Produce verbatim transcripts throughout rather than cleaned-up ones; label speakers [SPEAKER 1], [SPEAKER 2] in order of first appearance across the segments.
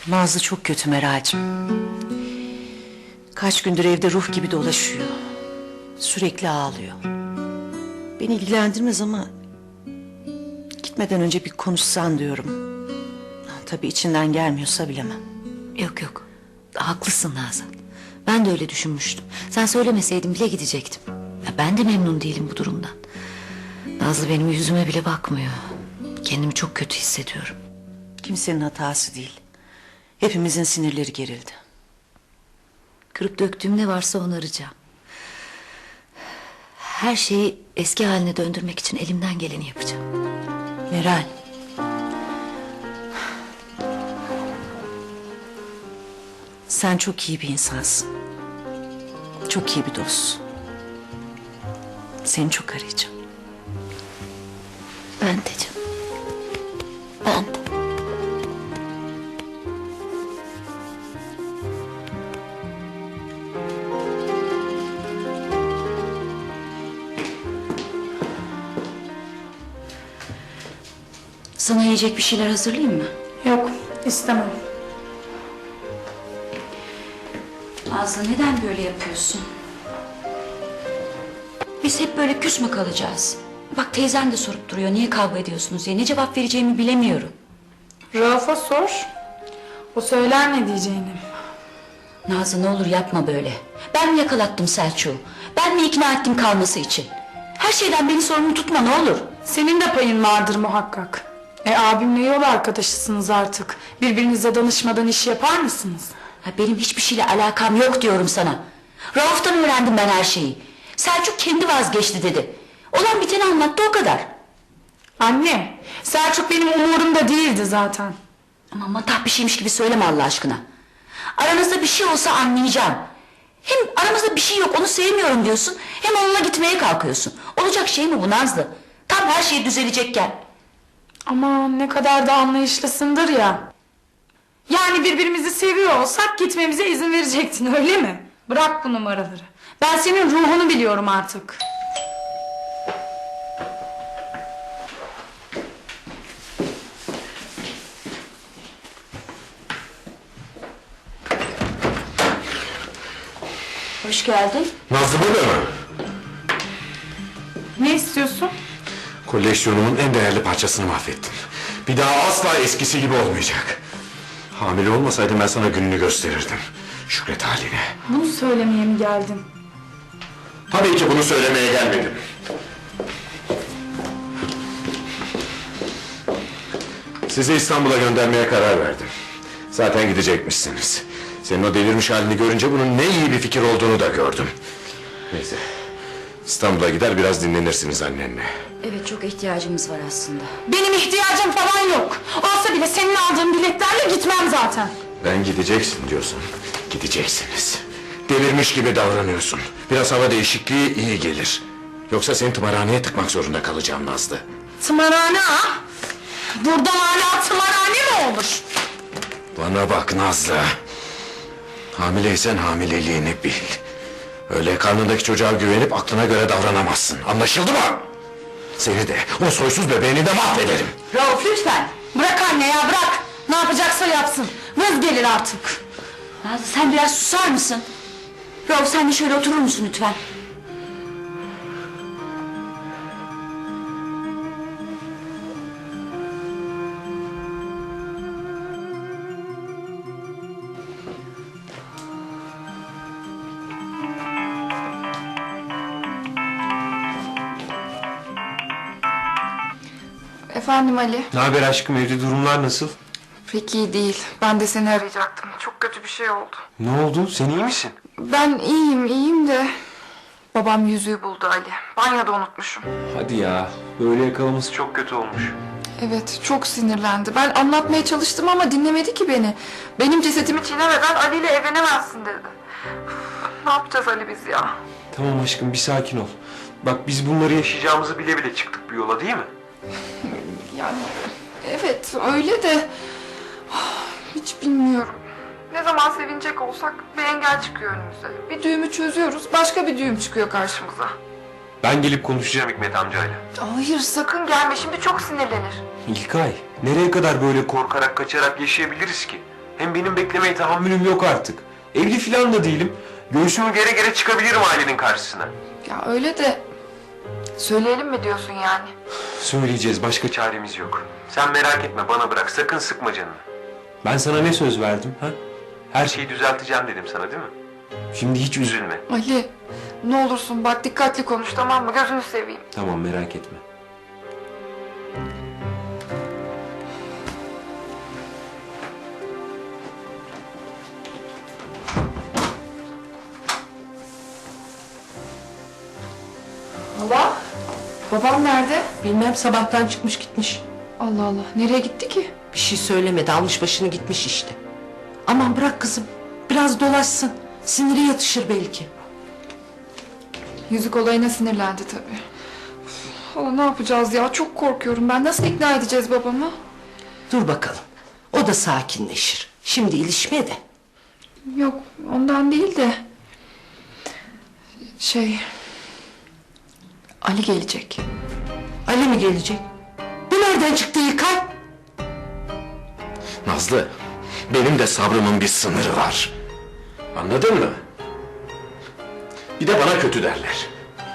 [SPEAKER 1] Nazlı çok kötü Meral'cığım. Kaç gündür evde ruh gibi dolaşıyor. Sürekli ağlıyor. Beni ilgilendirmez ama... gitmeden önce bir konuşsan diyorum. Tabii içinden gelmiyorsa bilemem.
[SPEAKER 2] Yok yok. Haklısın Nazan. Ben de öyle düşünmüştüm. Sen söylemeseydin bile gidecektim. Ya ben de memnun değilim bu durumdan. Nazlı benim yüzüme bile bakmıyor. Kendimi çok kötü hissediyorum.
[SPEAKER 1] Kimsenin hatası değil. Hepimizin sinirleri gerildi.
[SPEAKER 2] Kırıp döktüğüm ne varsa onaracağım. Her şeyi eski haline döndürmek için elimden geleni yapacağım.
[SPEAKER 1] Meral. Sen çok iyi bir insansın. Çok iyi bir dostsun. Seni çok arayacağım.
[SPEAKER 2] Ben de canım. Ben de. Sana yiyecek bir şeyler hazırlayayım mı?
[SPEAKER 3] Yok, istemem.
[SPEAKER 2] Nazlı neden böyle yapıyorsun? Biz hep böyle küs mü kalacağız? Bak teyzen de sorup duruyor niye kavga ediyorsunuz diye. Ne cevap vereceğimi bilemiyorum.
[SPEAKER 3] Rauf'a sor. O söyler ne diyeceğini.
[SPEAKER 2] Nazlı ne olur yapma böyle. Ben mi yakalattım Selçuk'u? Ben mi ikna ettim kalması için? Her şeyden beni sorumlu tutma ne olur.
[SPEAKER 3] Senin de payın vardır muhakkak. E abimle yol arkadaşısınız artık. Birbirinize danışmadan iş yapar mısınız?
[SPEAKER 2] Ha, benim hiçbir şeyle alakam yok diyorum sana. Rauf'tan öğrendim ben her şeyi. Selçuk kendi vazgeçti dedi. Olan biteni anlattı o kadar.
[SPEAKER 3] Anne, Selçuk benim umurumda değildi zaten.
[SPEAKER 2] Ama matah bir şeymiş gibi söyleme Allah aşkına. Aranızda bir şey olsa anlayacağım. Hem aramızda bir şey yok onu sevmiyorum diyorsun. Hem onunla gitmeye kalkıyorsun. Olacak şey mi bu Nazlı? Tam her şey düzelecekken.
[SPEAKER 3] Ama ne kadar da anlayışlısındır ya. Yani birbirimizi seviyor olsak gitmemize izin verecektin öyle mi? Bırak bu numaraları. Ben senin ruhunu biliyorum artık.
[SPEAKER 2] Hoş geldin.
[SPEAKER 4] Nazlı burada mı?
[SPEAKER 3] Ne istiyorsun?
[SPEAKER 4] Koleksiyonumun en değerli parçasını mahvettin. Bir daha asla eskisi gibi olmayacak. Hamile olmasaydım ben sana gününü gösterirdim. Şükret haline.
[SPEAKER 3] Bunu söylemeye mi geldin?
[SPEAKER 4] Tabii ki bunu söylemeye gelmedim. Sizi İstanbul'a göndermeye karar verdim. Zaten gidecekmişsiniz. Senin o delirmiş halini görünce bunun ne iyi bir fikir olduğunu da gördüm. Neyse. İstanbul'a gider biraz dinlenirsiniz annenle.
[SPEAKER 2] Evet çok ihtiyacımız var aslında.
[SPEAKER 3] Benim ihtiyacım falan yok. Olsa bile senin aldığın biletlerle gitmem zaten.
[SPEAKER 4] Ben gideceksin diyorsun. Gideceksiniz. Delirmiş gibi davranıyorsun. Biraz hava değişikliği iyi gelir. Yoksa seni tımarhaneye tıkmak zorunda kalacağım Nazlı.
[SPEAKER 3] Tımarhane ha? Buradan hala tımarhane mi olur?
[SPEAKER 4] Bana bak Nazlı. Hamileysen hamileliğini bil. Öyle karnındaki çocuğa güvenip aklına göre davranamazsın. Anlaşıldı mı? Seni de o soysuz bebeğini de mahvederim.
[SPEAKER 3] Rauf lütfen. Bırak anne ya bırak. Ne yapacaksa yapsın. Vız gelir artık.
[SPEAKER 2] Nazlı sen biraz susar mısın? Rauf sen de şöyle oturur musun lütfen?
[SPEAKER 5] Efendim Ali.
[SPEAKER 6] Ne haber aşkım, evde durumlar nasıl?
[SPEAKER 5] Pek iyi değil. Ben de seni arayacaktım. Çok kötü bir şey oldu.
[SPEAKER 6] Ne oldu, sen iyi misin?
[SPEAKER 5] Ben iyiyim, iyiyim de... Babam yüzüğü buldu Ali. Banyoda unutmuşum.
[SPEAKER 6] Hadi ya, böyle yakalaması çok kötü olmuş.
[SPEAKER 5] Evet, çok sinirlendi. Ben anlatmaya çalıştım ama dinlemedi ki beni. Benim cesetimi çiğnemeden Ali ile evlenemezsin dedi. Üf, ne yapacağız Ali biz ya?
[SPEAKER 6] Tamam aşkım, bir sakin ol. Bak biz bunları yaşayacağımızı bile bile çıktık bu yola, değil mi?
[SPEAKER 5] Yani evet öyle de... Hiç bilmiyorum. Ne zaman sevinecek olsak bir engel çıkıyor önümüze. Bir düğümü çözüyoruz, başka bir düğüm çıkıyor karşımıza.
[SPEAKER 6] Ben gelip konuşacağım Hikmet amcayla.
[SPEAKER 5] Hayır sakın gelme, şimdi çok sinirlenir.
[SPEAKER 6] İlkay, nereye kadar böyle korkarak kaçarak yaşayabiliriz ki? Hem benim beklemeye tahammülüm yok artık. Evli falan da değilim. Göğsümü gere gere çıkabilirim ailenin karşısına.
[SPEAKER 5] Ya öyle de söyleyelim mi diyorsun yani?
[SPEAKER 6] Söyleyeceğiz, başka çaremiz yok. Sen merak etme, bana bırak, sakın sıkma canını. Ben sana ne söz verdim ha? Her şeyi düzelteceğim dedim sana, değil mi? Şimdi hiç üzülme.
[SPEAKER 5] Ali ne olursun bak dikkatli konuş, tamam mı? Gözünü seveyim.
[SPEAKER 6] Tamam, merak etme.
[SPEAKER 5] Baba, babam nerede?
[SPEAKER 7] Bilmem, sabahtan çıkmış gitmiş.
[SPEAKER 5] Allah Allah, nereye gitti ki?
[SPEAKER 7] Bir şey söylemedi, almış başını gitmiş işte. Aman bırak kızım, biraz dolaşsın. Siniri yatışır belki.
[SPEAKER 5] Yüzük olayına sinirlendi tabii. Hala ne yapacağız ya? Çok korkuyorum ben. Nasıl ikna edeceğiz babamı?
[SPEAKER 7] Dur bakalım, o da sakinleşir. Şimdi ilişme de.
[SPEAKER 5] Yok, ondan değil de... Şey... Ali gelecek.
[SPEAKER 7] Ali mi gelecek? Bu nereden çıktı İlkay?
[SPEAKER 4] Nazlı, benim de sabrımın bir sınırı var. Anladın mı? Bir de bana kötü derler.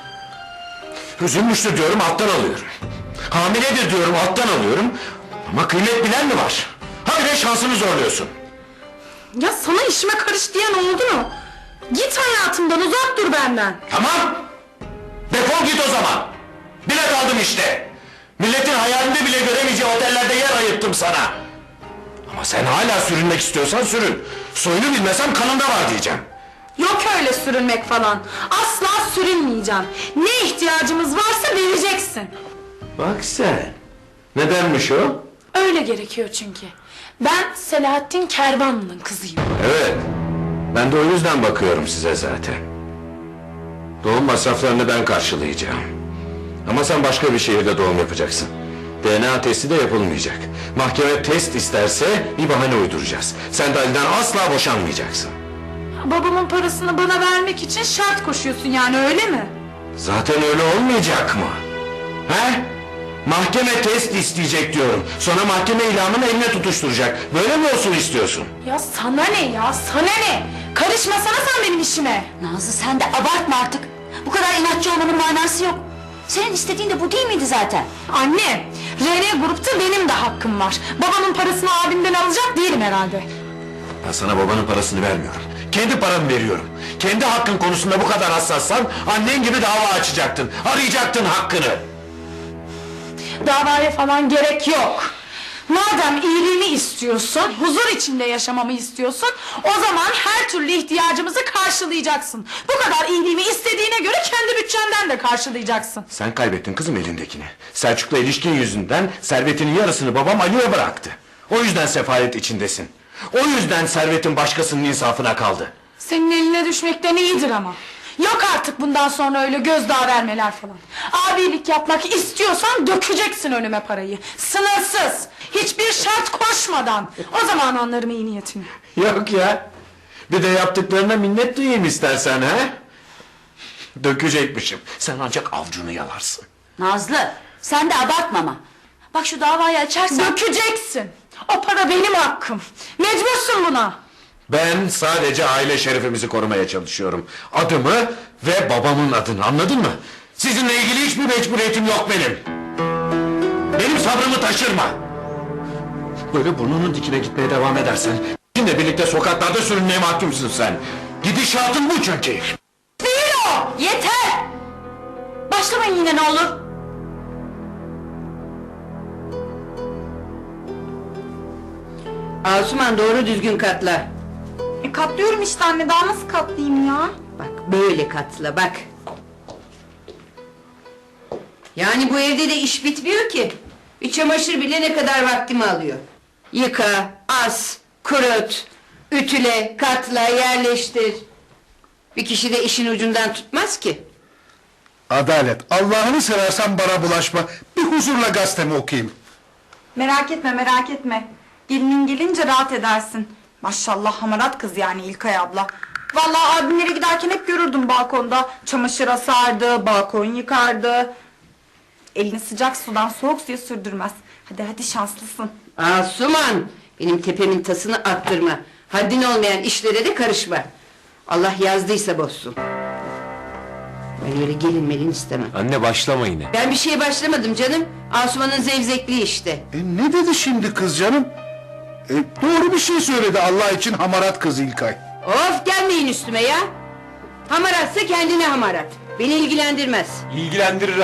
[SPEAKER 4] Üzülmüştür diyorum, alttan alıyorum. Hamiledir diyorum, alttan alıyorum. Ama kıymet bilen mi var? Habire şansını zorluyorsun.
[SPEAKER 3] Ya sana işime karış diyen oldu mu? Git hayatımdan, uzak dur benden.
[SPEAKER 4] Tamam! Defol git o zaman! Bilet aldım işte! Milletin hayalinde bile göremeyeceği otellerde yer ayırttım sana! Ama sen hala sürünmek istiyorsan sürün! Soyunu bilmesem kanında var diyeceğim!
[SPEAKER 3] Yok öyle sürünmek falan. Asla sürünmeyeceğim. Ne ihtiyacımız varsa vereceksin.
[SPEAKER 4] Bak sen! Nedenmiş o?
[SPEAKER 3] Öyle gerekiyor çünkü. Ben Selahattin Kervanlı'nın kızıyım.
[SPEAKER 4] Evet, ben de o yüzden bakıyorum size zaten. Doğum masraflarını ben karşılayacağım. Ama sen başka bir şehirde doğum yapacaksın. D N A testi de yapılmayacak. Mahkeme test isterse bir bahane uyduracağız. Sen de Ali'den asla boşanmayacaksın.
[SPEAKER 3] Babamın parasını bana vermek için şart koşuyorsun yani, öyle mi?
[SPEAKER 4] Zaten öyle olmayacak mı? He? Mahkeme test isteyecek diyorum. Sonra mahkeme ilamını eline tutuşturacak. Böyle mi olsun istiyorsun?
[SPEAKER 3] Ya sana ne ya, sana ne? Karışmasana sen benim işime.
[SPEAKER 2] Nazlı sen de abartma artık. Bu kadar inatçı olmanın manası yok. Senin istediğin de bu değil miydi zaten?
[SPEAKER 3] Anne, R N grupta benim de hakkım var. Babamın parasını abimden alacak değilim herhalde.
[SPEAKER 4] Ben sana babanın parasını vermiyorum. Kendi paramı veriyorum. Kendi hakkın konusunda bu kadar hassassan annen gibi dava açacaktın. Arayacaktın hakkını.
[SPEAKER 3] Davaya falan gerek yok. Madem iyiliğimi istiyorsun, huzur içinde yaşamamı istiyorsun, o zaman her türlü ihtiyacımızı karşılayacaksın. Bu kadar iyiliğimi istediğine göre kendi bütçenden de karşılayacaksın.
[SPEAKER 4] Sen kaybettin kızım elindekini. Selçuk'la ilişkin yüzünden servetinin yarısını babam Ali'ye bıraktı. O yüzden sefalet içindesin. O yüzden servetin başkasının insafına kaldı.
[SPEAKER 3] Senin eline düşmekten iyidir ama. Yok artık bundan sonra öyle gözdağı vermeler falan. Abilik yapmak istiyorsan dökeceksin önüme parayı. Sınırsız. Hiçbir şart koşmadan. O zaman anlarım iyi niyetini.
[SPEAKER 4] Yok ya. Bir de yaptıklarına minnet duyayım istersen ha? Dökecekmişim. Sen ancak avcunu yalarsın.
[SPEAKER 2] Nazlı sen de abartma ama. Bak şu davayı açarsan...
[SPEAKER 3] Dökeceksin. O para benim hakkım. Mecbursun buna.
[SPEAKER 4] Ben sadece aile şerefimizi korumaya çalışıyorum. Adımı ve babamın adını, anladın mı? Sizinle ilgili hiçbir mecburiyetim yok benim. Benim sabrımı taşırma. Böyle burnunun dikine gitmeye devam edersen... ...şimdi birlikte sokaklarda sürünmeye mahkumsun sen. Gidişatın bu çünkü.
[SPEAKER 2] Değil o! Yeter! Başlamayın yine ne olur.
[SPEAKER 8] Asuman doğru düzgün katla.
[SPEAKER 3] E katlıyorum işte anne, daha nasıl katlayayım ya?
[SPEAKER 8] Bak böyle katla bak. Yani bu evde de iş bitmiyor ki. Bir çamaşır bile ne kadar vaktimi alıyor. Yıka, as, kurut, ütüle, katla, yerleştir. Bir kişi de işin ucundan tutmaz ki.
[SPEAKER 9] Adalet, Allah'ını seversen bana bulaşma. Bir huzurla gazetemi okuyayım.
[SPEAKER 10] Merak etme, merak etme. Gelinin gelince rahat edersin. Maşallah hamarat kız yani İlkay abla. Vallahi abimlere giderken hep görürdüm balkonda. Çamaşır asardı, balkon yıkardı. Elini sıcak sudan soğuk suya sürdürmez. Hadi hadi şanslısın.
[SPEAKER 8] Asuman, Benim tepemin tasını attırma. Haddin olmayan işlere de karışma. Allah yazdıysa bozsun. Ben öyle gelin melin istemem.
[SPEAKER 6] Anne başlama yine.
[SPEAKER 8] Ben bir şeye başlamadım canım. Asuman'ın zevzekliği işte.
[SPEAKER 9] E ne dedi şimdi kız canım? E, doğru bir şey söyledi Allah için hamarat kız İlkay.
[SPEAKER 8] Of gelmeyin üstüme ya. Hamaratsa kendine hamarat. Beni ilgilendirmez.
[SPEAKER 6] İlgilendirir